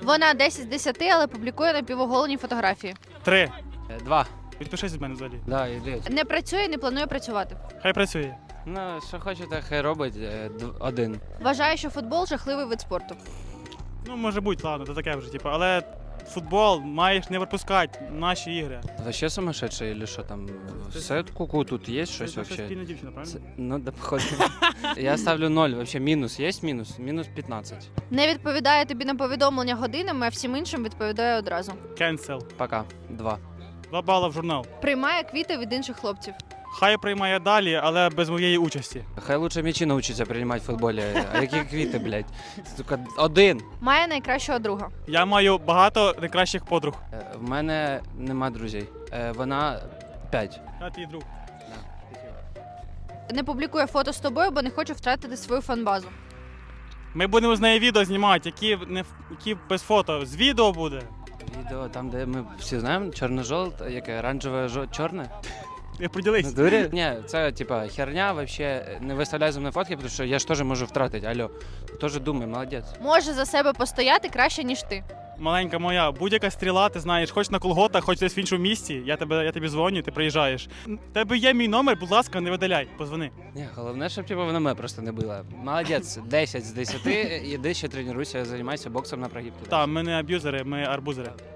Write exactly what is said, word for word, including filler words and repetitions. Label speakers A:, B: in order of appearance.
A: Вона десять з десяти, але публікує напівоголені фотографії.
B: Три.
C: Е, Два.
B: Підпишись від мене взагалі.
C: Да, іди.
A: Не працює, не планує працювати.
B: Хай працює.
C: Ну, що хочете, хай робить. Е, д- Один.
A: Вважає, що футбол жахливий вид спорту.
B: Ну, може бути, ладно, то таке вже, типу, але футбол маєш не випускати наші ігри.
C: Вообще сумасшедший или що там? Все куку тут є щось
B: Це наша
C: вообще?
B: спільна дівчина, правильно?
C: Це- Ну, да, походу. Я ставлю ноль. Вообще мінус є мінус? Мінус п'ятнадцять.
A: Не відповідає тобі на повідомлення годинами, а всім іншим відповідає одразу.
B: Cancel.
C: Пока. Два.
B: Два бала в журнал.
A: Приймає квіти від інших хлопців.
B: Хай приймає далі, але без моєї участі.
C: Хай лучше м'ячі навчиться приймати в футболі. А які квіти, блядь? Сука, один.
A: Має найкращого друга.
B: Я маю багато найкращих подруг.
C: Е, В мене нема друзей. Е, Вона п'ять.
B: Я твій друг.
A: Не публікує фото з тобою, бо не хоче втратити свою фанбазу.
B: Ми будемо з нею відео знімати, які, не, ф- які без фото. З відео буде.
C: Відео там, де ми всі знаємо, чорно-жовте, яке оранжеве, жо- чорне.
B: Я поділись.
C: Дурі? Ні, це типа херня, вообще не виставляй за мною фотки, тому що я ж теж можу втратити. Алло, теж думай, молодець.
A: Може за себе постояти краще, ніж ти.
B: Маленька моя, будь-яка стріла, ти знаєш, хоч на колготах, хоч десь в іншому місті, я, тебе, я тобі дзвоню, ти приїжджаєш. В тебе є мій номер, будь ласка, не видаляй, позвони.
C: Ні, головне, щоб типу, вона мене просто не била. Молодець, десять з десяти, іди ще тренуйся, займайся боксом на прогиб.
B: Так, ми не аб'юзери, ми арбузери.